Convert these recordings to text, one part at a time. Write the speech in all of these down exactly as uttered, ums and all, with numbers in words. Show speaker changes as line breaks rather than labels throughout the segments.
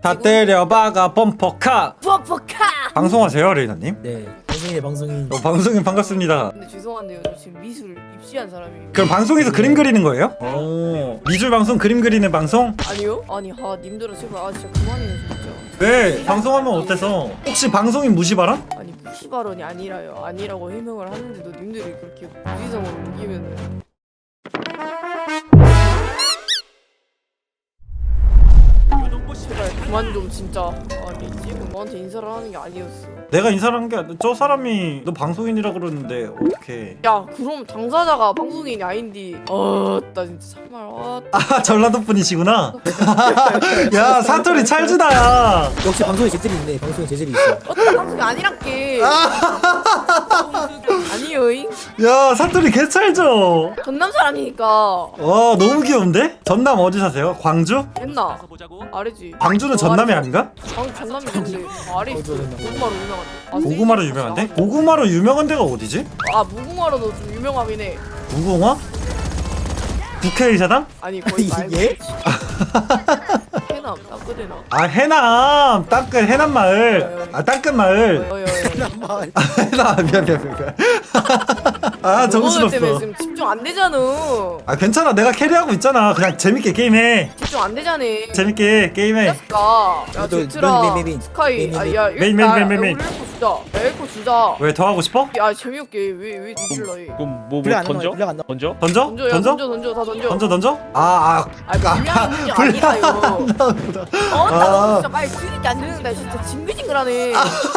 다 때려박아 범퍼카.
뻑뻑하.
방송하세요 레이나님?
네, 방송인 방송인.
어, 방송인 반갑습니다.
근데 죄송한데요, 저 지금 미술 입시한 사람이에요.
그럼 방송에서
네.
그림 그리는 거예요? 오, 미술 방송, 그림 그리는 방송?
아니요? 아니 하 님들아 제발 아 진짜 그만해요 진짜.
왜? 방송하면 어때서? 혹시 방송인 무시 발언?
아니 무시 발언이 아니라요. 아니라고 해명을 하는데도 님들이 그렇게 무지성으로 우기면은. 제발 그만 좀 진짜. 아니 지금 너한테 인사를 하는 게 아니었어.
내가 인사를 한 게 아니라 저 사람이 너 방송인이라 그러는데 어떡해.
야 그럼 당사자가 방송인이 아닌디. 어나 진짜 정말 아.
아 전라도 분이시구나. 야 사투리 찰지다야.
역시 방송에 재질이 있네. 방송에 재질이 있어.
어떤 방송이 아니란게. 아니요잉.
야 사투리 개 찰져.
전남 사람이니까.
와 너무 귀여운데? 전남 어디 사세요? 광주?
했나? 아래지.
광주는 전남이 아닌가?
방 전남이 근데 아래 있어. 고구마로 유명한데. 아,
고구마로
세이지
유명한데?
맛이
고구마로 유명한 데가 어디지?
아 무궁화로도 좀 유명하긴 해.
무궁화? 국회의사당?
아니 거의 말고.
예?
해남 따끄대나.
아 해남 땅끝 해남 마을. 아 땅끝 마을.
어여여.
해남 미안 미안 미안. 아
때문에
정신없어.
지금 집중 안 되잖아.
아 괜찮아 내가 캐리하고 있잖아. 그냥 재밌게 게임해.
집중 안 되잖아.
재밌게 게임해.
야, 야
너,
제트라,
메인, 메인, 메인.
스카이,
메인,
아,
메인.
야,
메인, 메인, 메인, 메인, 메인.
우리 엘코 주자, 야, 엘코 주자.
왜 더 하고 싶어?
야, 재미없게 왜왜 뒤질러 해?
그럼 뭐, 뭐
분량 안
던져?
나와, 분량 안 나와.
던져?
던져?
던져, 야,
던져?
던져, 던져, 다 던져.
던져 던져? 아아
아, 분량이 문제 아니라요. 어, 나 너 진짜 말 들으니까 안 듣는다. 진짜 징글징글하네.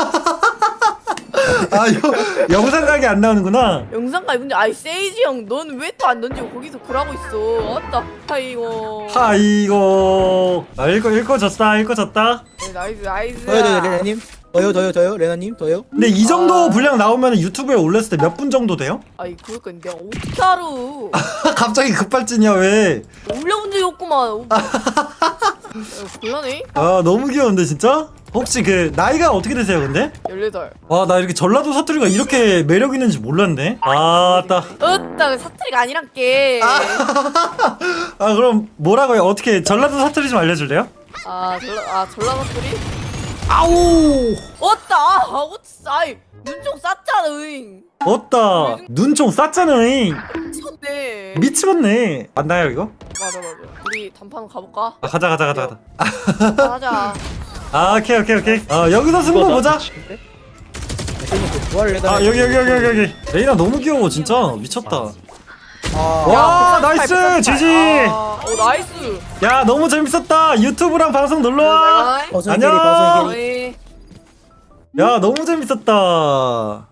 아 여, 영상 각이 안 나오는구나.
영상까지 문제. 아이 세이지 형, 넌 왜 또 안 던지고 거기서 그러고 있어? 왔다. 아이고.
아이고 아 읽고 읽고 졌다 읽고 졌다.
네, 나이스, 나이스.
더요, 더요, 레나님. 더요, 더요, 더요, 레나님, 더요.
근데 이 정도
아.
분량 나오면 유튜브에 올렸을 때 몇 분 정도 돼요?
아이 그러니까 내가 어떻게 알아?
갑자기 급발진이야 왜?
올려본 적이 없구만. 야, 곤란해?
아 너무 귀여운데 진짜? 혹시 그 나이가 어떻게 되세요 근데?
열여덟.
와 나 이렇게 전라도 사투리가 이렇게 매력 있는지 몰랐네. 아따.
어따 사투리가 아니란게.
아 그럼 뭐라고요? 어떻게 전라도 사투리 좀 알려줄래요?
아 전라 아 전라 사투리?
아우.
어따 아 어따 아이 눈총 쌌잖아.
어따. 눈총 쌌잖아잉.
미쳤네.
미치겠네. 맞나요 이거?
맞아 맞아. 우리 단판 가볼까?
아 가자 가자 가자 가자.
하자.
아 오케이 오케이 오케이. 아 여기서 승부
이거 나
보자.
미치겠네?
레나님 그 부활을 해달라.
아 여기 여기 여기 여기 여기. 레이나 너무 귀여워 진짜 미쳤다.
아,
와 나이스 지지.
아, 오 나이스.
야 너무 재밌었다. 유튜브랑 방송 놀러와.
방송
안녕.
캐리, 방송 캐리.
어이.
야 너무 재밌었다.